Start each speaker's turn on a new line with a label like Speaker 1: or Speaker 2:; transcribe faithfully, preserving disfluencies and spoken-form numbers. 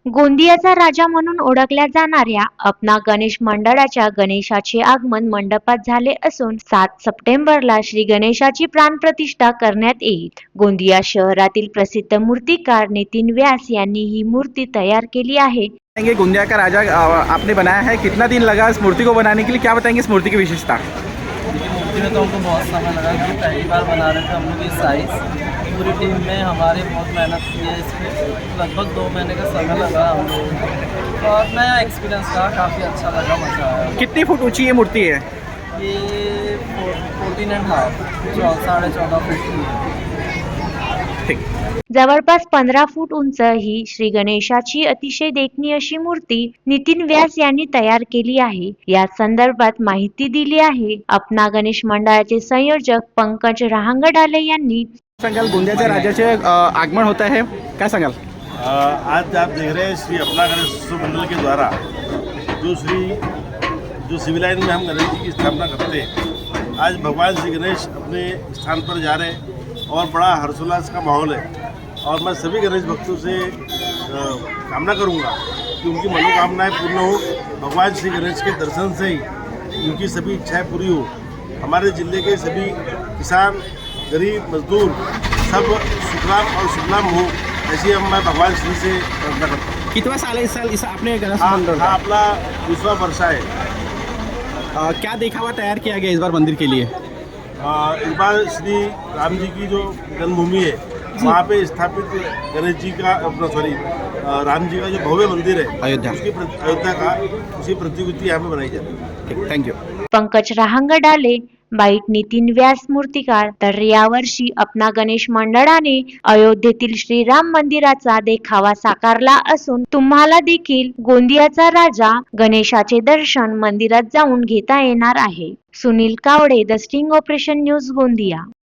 Speaker 1: गोंदियाचा राजा म्हणून ओळखल्या जाणाऱ्या अपना गणेश मंडळाच्या गणेशाचे आगमन मंडपात झाले असून सात सप्टेंबरला श्री गणेशाची प्राणप्रतिष्ठा करण्यात येईल। गोंदिया शहरातील प्रसिद्ध मूर्तिकार नितिन व्यास यांनी ही मूर्ति तैयार केली आहे।
Speaker 2: ये गोंदिया का राजा आपने बनाया है, कितना दिन लगा इस मूर्ति को बनाने के लिए, क्या बताएंगे इस मूर्ति की विशेषता?
Speaker 3: मूर्ति में तो हमको बहुत समय लगा, हम पहली बार बना रहे थे। हम लोग ये साइज पूरी टीम में हमारे बहुत मेहनत की है, इस पर लगभग दो महीने का समय लगा हम लोग, और नया एक्सपीरियंस रहा, काफ़ी अच्छा लगा, मज़ा आया।
Speaker 2: कितनी फुट ऊंची ये मूर्ति है?
Speaker 3: ये फोर्टीन एंड हाफ साढ़े चौदह फुट की है।
Speaker 2: ठीक।
Speaker 1: जवळपास पंधरा फूट उंच ही श्री गणेशाची अतिशय देखणी अशी मूर्ती नितिन व्यास यांनी तयार केली आहे। या संदर्भात माहिती दिली आहे अपना गणेश मंडळाचे संयोजक पंकज रहांगडाले यांनी।
Speaker 2: सांगाल गोंदियाच्या राजाचे आगमन होता है, क्या सांगाल?
Speaker 4: आज आप देख रहे हैं श्री अपना गणेश उत्सव मंडल के द्वारा जो श्री जो सिविल लाइन में हम गणेश जी की स्थापना करते हैं, आज भगवान श्री गणेश अपने स्थान पर जा रहे हैं और बड़ा हर्षोल्लास का माहौल है। और मैं सभी गणेश भक्तों से कामना करूंगा कि उनकी मनोकामनाएं पूर्ण हो, भगवान श्री गणेश के दर्शन से ही उनकी सभी इच्छाएं पूरी हो। हमारे जिले के सभी किसान, गरीब, मजदूर सब सुखलाम और सुखलाम हो, ऐसी हम मैं भगवान श्री से प्रार्थना करता हूँ।
Speaker 2: कितना साल है इस साल इस आपने गणेश
Speaker 4: हाँ,
Speaker 2: मंडल
Speaker 4: हाँ, अपना दूसरा वर्षा है।
Speaker 2: आ, क्या दिखावा तैयार किया गया इस बार मंदिर के लिए?
Speaker 4: आ, इस बार श्री राम जी की जो जन्मभूमि है वहाँ पे स्थापित गणेश जी का अपना सॉरी राम जी का जो भव्य मंदिर है
Speaker 2: अयोध्या
Speaker 4: उसकी अयोध्या का उसी प्रतिकृति यहाँ पे बनाई जाती है।
Speaker 2: ठीक, thank you.
Speaker 1: Pankaj Rahangdale byte Nitin Vyas मूर्तिकार। तर यावर्षी अपना गणेश मंडळाने अयोध्येतील श्रीराम मंदिराचा देखावा साकारला असून तुम्हाला देखील गोंदियाचा राजा गणेशाचे दर्शन मंदिरात जाऊन घेता येणार आहे। Sunil Kawade, the sting operation news, Gondia.